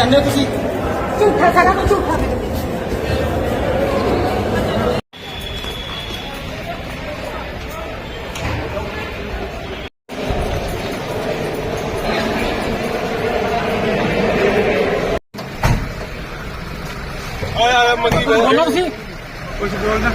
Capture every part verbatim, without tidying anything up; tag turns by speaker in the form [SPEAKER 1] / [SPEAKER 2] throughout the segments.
[SPEAKER 1] ਕਹਿੰਦੇ ਤੁਸੀਂ
[SPEAKER 2] ਝੂਠਾ ਸਾਰਾ ਕੁਝ ਝੂਠਾ ਮੇਰੇ ਤੇ।
[SPEAKER 3] ਆਇਆ ਆਇਆ ਮੰਗੀ
[SPEAKER 1] ਬੋਲੋ ਤੁਸੀਂ
[SPEAKER 3] ਕੁਝ ਬੋਲਣਾ।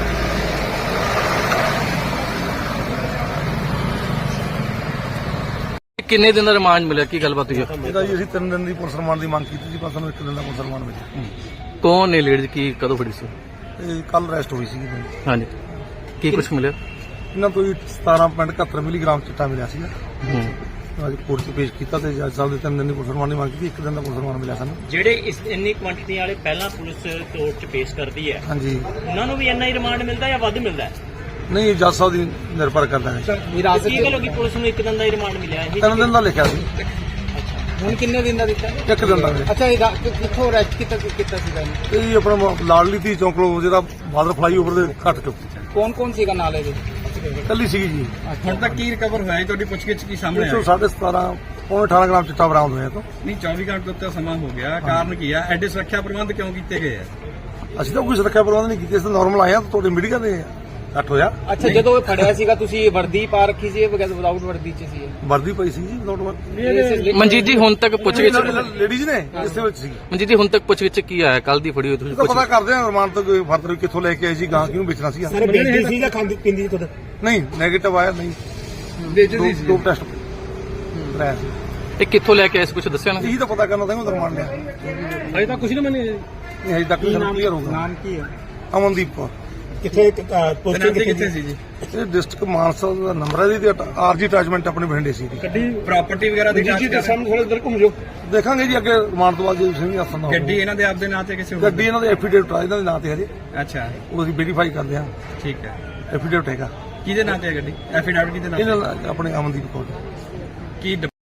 [SPEAKER 4] ਕਿੰਨੇ ਦਿਨ ਦਾ ਰਿਮਾਂਡ ਮਿਲਿਆ, ਕੀ ਗੱਲਬਾਤ ਹੋਈ ਹੈ?
[SPEAKER 3] ਇਹਦਾ ਜੀ ਅਸੀਂ ਤਿੰਨ ਦਿਨ ਦੀ ਪੁਲਿਸ ਰਿਮਾਂਡ ਦੀ ਮੰਗ ਕੀਤੀ ਸੀ, ਪਰ ਸਾਨੂੰ ਇੱਕ ਦਿਨ ਦਾ ਪੁਲਿਸ ਰਿਮਾਂਡ ਮਿਲਿਆ।
[SPEAKER 4] ਕੌਣ ਨੇ ਲੇਡੀਜ਼, ਕੀ ਕਦੋਂ ਫੜੀ ਸੀ?
[SPEAKER 3] ਇਹ ਕੱਲ ਅਰੈਸਟ ਹੋਈ ਸੀ।
[SPEAKER 4] ਹਾਂਜੀ, ਕੀ ਕੁਝ ਮਿਲਿਆ?
[SPEAKER 3] ਇਹਨਾਂ ਤੋਂ ਸਤਾਰਾਂ ਪੁਆਇੰਟ ਇਕਹੱਤਰ ਮਿਲੀਗ੍ਰਾਮ ਚਿੱਟਾ ਮਿਲਿਆ ਸੀਗਾ।
[SPEAKER 4] ਹੂੰ।
[SPEAKER 3] ਅੱਜ ਕੋਰਟ 'ਚ ਪੇਸ਼ ਕੀਤਾ ਤੇ ਜੱਜ ਸਾਹਿਬ ਦੇ ਤਿੰਨ ਦਿਨ ਦੀ ਪੁਲਿਸ ਰਿਮਾਂਡ ਦੀ ਮੰਗ ਕੀਤੀ, ਇੱਕ ਦਿਨ ਦਾ ਪੁਲਿਸ ਰਿਮਾਂਡ ਮਿਲਿਆ ਸਾਨੂੰ।
[SPEAKER 5] ਜਿਹੜੇ ਇਸ ਇੰਨੀ ਕੁਆਂਟੀਟੀ ਵਾਲੇ ਪਹਿਲਾਂ ਪੁਲਿਸ ਕੋਰਟ 'ਚ ਪੇਸ਼ ਕਰਦੀ ਹੈ,
[SPEAKER 3] ਹਾਂਜੀ,
[SPEAKER 5] ਉਹਨਾਂ ਨੂੰ ਵੀ ਇੰਨਾ ਹੀ ਰਿਮਾਂਡ ਮਿਲਦਾ ਜਾਂ ਵੱਧ ਮਿਲਦਾ ਹੈ?
[SPEAKER 3] ਨਹੀਂ ਜੱਜ ਸਾਹਿਬ ਦੀ ਨਿਰਭਰ ਕਰਦਾ ਹੈ।
[SPEAKER 1] ਵਿਰਾਸਤ
[SPEAKER 5] ਕੀ ਗੱਲ ਹੋ ਗਈ ਪੁਲਿਸ ਨੂੰ ਇੱਕ ਦਿਨ ਦਾ ਹੀ ਰਿਮਾਂਡ ਮਿਲਿਆ ਇਹ?
[SPEAKER 3] ਤਿੰਨ ਦਿਨ ਦਾ ਲਿਖਿਆ ਸੀ,
[SPEAKER 1] ਹੁਣ ਕਿੰਨੇ ਦਿਨ ਦਾ ਦਿੱਤਾ?
[SPEAKER 3] ਇੱਕ ਦਿਨ ਦਾ ਮਿਲਿਆ।
[SPEAKER 1] ਅੱਛਾ, ਇਹ ਰਾ- ਕਿ- ਕਿੱਥੋਂ ਅਰੈਸਟ ਕੀਤਾ ਕੀਤਾ ਸੀਗਾ ਇਹਨੂੰ?
[SPEAKER 3] ਇਹ ਜੀ ਆਪਣਾ ਮ- ਲਾਡਲੀ ਧੀ ਚੌਂਕ ਲੋ ਜਿਹੜਾ ਬਾਦਰ ਫਲਾਈਓਵਰ ਦੇ ਘੱਟ ਚੁੱਕ
[SPEAKER 1] ਕੌਣ ਕੌਣ ਸੀਗਾ ਨਾਲ ਇਹਦੇ?
[SPEAKER 3] ਕੱਲੀ ਸੀਗੀ ਜੀ।
[SPEAKER 6] ਹੁਣ ਤੱਕ ਕੀ ਰਿਕਵਰ ਹੋਇਆ ਹੈ? ਤੁਹਾਡੀ ਪੁੱਛਗਿੱਛ ਕੀ ਸਾਹਮਣੇ
[SPEAKER 3] ਇੱਕ ਸੌ
[SPEAKER 6] ਆਇਆ?
[SPEAKER 3] ਸਾਢੇ ਸਤਾਰਾਂ ਪੌਣੇ ਅਠਾਰਾਂ ਗ੍ਰਾਮ ਚਿੱਟਾ ਬਰਾਮਦ ਹੋਇਆ ਤੋਂ।
[SPEAKER 6] ਨਹੀਂ, ਚੌਵੀ ਘੰਟੇ ਤੋਂ ਉੱਤੇ ਸਮਾਂ ਹੋ ਗਿਆ। ਕਾਰਨ ਕੀ ਆ? ਐਡੇ ਸੁਰੱਖਿਆ ਪ੍ਰਬੰਧ ਕਿਉਂ ਕੀਤੇ ਗਏ ਆ?
[SPEAKER 3] ਅਸੀਂ ਤਾਂ ਕੋਈ ਸੁਰੱਖਿਆ ਪ੍ਰਬੰਧ ਨਹੀਂ ਕੀਤੇ, ਅਸੀਂ ਨਾਰਮਲ ਆਏ ਆ। ਤੁਹਾਡੇ ਮੀਡੀਆ ਦੇ ਘੱਟ ਹੋਇਆ।
[SPEAKER 1] ਅੱਛਾ, ਜਦੋਂ ਇਹ ਫੜਿਆ ਸੀਗਾ ਤੁਸੀਂ ਵਰਦੀ ਪਾ ਰੱਖੀ ਸੀ, ਵਿਦਆਊਟ ਵਰਦੀ ਚ ਸੀ ਇਹ?
[SPEAKER 3] ਵਰਦੀ ਪਈ ਸੀ ਜੀ, ਨੋਟ ਵਰਦੀ।
[SPEAKER 4] ਮਨਜੀਤ ਜੀ, ਹੁਣ ਤੱਕ ਪੁੱਛਗਿੱਛ
[SPEAKER 3] ਲੇਡੀਜ਼ ਨੇ ਇਸੇ ਵਿੱਚ ਸੀ।
[SPEAKER 4] ਮਨਜੀਤ ਜੀ, ਹੁਣ ਤੱਕ ਪੁੱਛਗਿੱਛ ਕੀ ਆਇਆ? ਕੱਲ ਦੀ ਫੜੀ ਹੋਈ ਤੁਸੀਂ
[SPEAKER 3] ਇਹ ਤਾਂ ਪਤਾ
[SPEAKER 4] ਪੁੱਛ
[SPEAKER 3] ਕਰਦੇ ਆ ਰਮਾਨ ਤੋਂ ਕੋਈ ਫਰਦਰ ਕਿੱਥੋਂ ਲੈ ਕੇ ਆਏ ਸੀ, ਗਾਂ ਕਿਹਨੂੰ ਵੇਚਣਾ ਸੀ।
[SPEAKER 1] ਵੇਚਦੀ ਸੀ ਜਾਂ ਖਾਂਦੀ ਪੀਂਦੀ ਸੀ ਖੁਦ?
[SPEAKER 3] ਨਹੀਂ, ਨੈਗੇਟਿਵ ਆਇਆ ਨਹੀਂ,
[SPEAKER 6] ਵੇਚਦੀ ਸੀ।
[SPEAKER 3] ਦੋ ਟੈਸਟ ਕਰਾਇਆ ਸੀ।
[SPEAKER 4] ਇਹ ਕਿੱਥੋਂ ਲੈ ਕੇ ਆਏ ਸੀ, ਕੁਝ ਦੱਸਿਆ ਨਾ?
[SPEAKER 3] ਇਹੀ ਤਾਂ ਪਤਾ ਕਰਨਾ ਤਾਂ ਰਮਾਨ ਲਿਆ।
[SPEAKER 1] ਅਜੇ ਤਾਂ ਕੁਝ ਨਹੀਂ ਮੰਨੇ।
[SPEAKER 3] ਨਹੀਂ ਹਜੇ ਤੱਕ ਕਲੀਅਰ ਹੋਊਗਾ।
[SPEAKER 1] ਨਾਮ ਕੀ ਹੈ?
[SPEAKER 3] ਅਮਨਦੀਪ ਕੌਰ।
[SPEAKER 1] ਕਿੱਥੇ
[SPEAKER 6] ਤਨਾਜ਼ੀ ਕਿੱਥੇ ਸੀ ਜੀ?
[SPEAKER 3] ਇਹ ਡਿਸਟ੍ਰਿਕਟ ਮਾਨਸਾ ਦਾ ਨੰਬਰ ਹੈ ਜੀ, ਆਰਜੀ ਅਟੈਚਮੈਂਟ ਆਪਣੇ ਬਠਿੰਡੇ ਸੀ।
[SPEAKER 1] ਗੱਡੀ
[SPEAKER 6] ਪ੍ਰਾਪਰਟੀ ਵਗੈਰਾ ਦੀ ਜਾਂਚ ਕਰ ਰਹੇ?
[SPEAKER 1] ਥੋੜੇ ਇਧਰ ਘੁੰਮ ਜਾਓ।
[SPEAKER 3] ਦੇਖਾਂਗੇ ਜੀ ਅੱਗੇ ਰਮਾਨ ਤੋਂ ਬਾਅਦ ਜੇ ਸਿੰਘ ਹੱਸਨ ਦਾ
[SPEAKER 6] ਗੱਡੀ ਇਹਨਾਂ ਦੇ ਆਪਦੇ ਨਾਂ ਤੇ ਕਿਸੇ ਹੋਰ?
[SPEAKER 3] ਗੱਡੀ ਇਹਨਾਂ ਦੇ ਐਫੀਡੇਵਿਟ ਆ, ਇਹਨਾਂ ਦੇ ਨਾਂ ਤੇ ਹਜੇ
[SPEAKER 6] ਅੱਛਾ,
[SPEAKER 3] ਉਹ ਅਸੀਂ ਵੈਰੀਫਾਈ ਕਰਦੇ ਹਾਂ।
[SPEAKER 6] ਠੀਕ ਹੈ।
[SPEAKER 3] ਐਫੀਡੇਵਿਟ ਹੈਗਾ
[SPEAKER 6] ਕਿਹਦੇ ਨਾਂ ਤੇ ਹੈ ਗੱਡੀ? ਐਫੀਡੈਵਿਟ ਕਿਹਦੇ ਨਾਂ ਤੇ?
[SPEAKER 3] ਇਹਨਾਂ ਦਾ ਆਪਣੇ ਅਮਨਦੀਪ ਕੌਰ।
[SPEAKER 6] ਕੀ